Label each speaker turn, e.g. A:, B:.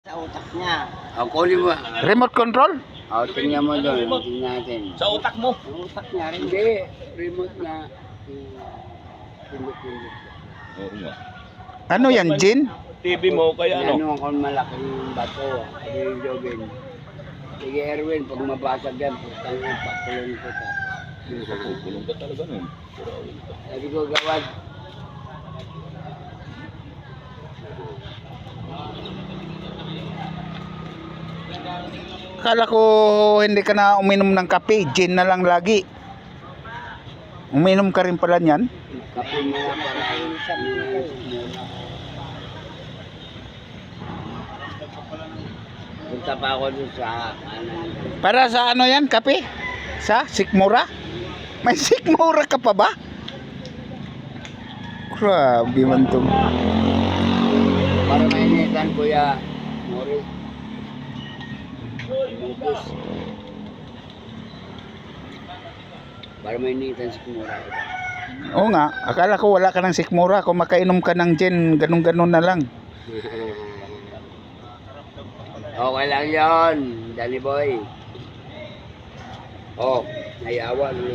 A: Sa utak niya.
B: O, kunin mo.
C: Remote control?
B: O, tingnan mo doon. Tingnan natin.
A: Sa utak mo. Sa utak niya rin.
B: Hindi. Remote na. Pindot-pindot.
D: Oo nga.
C: Ano yan, Jin?
D: TV mo kaya ano?
B: Ano kung malaking bato. Sabi yung Jobin. Sige Erwin, pag mabasag yan, putang mo, pakulong ko ta.
D: Kulong ka talaga nun.
B: Sabi ko, gawad.
C: Akala ko hindi ka na uminom ng kape, gin na lang lagi. Uminom ka rin pala niyan?
B: Kape mo na para punta pa ako dun sa kanan.
C: Para sa ano yan, kape? Sa sikmura? May sikmura ka pa ba? Grabe man to.
B: Para mainitan, Kuya Mori. Mugus. Para mainitan si Kumura.
C: Oo nga, akala ko wala ka ng sikmura. Kung makainom ka ng gin, ganun-ganun na lang.
B: Okay lang yun, Danny Boy. Oh, nayawa.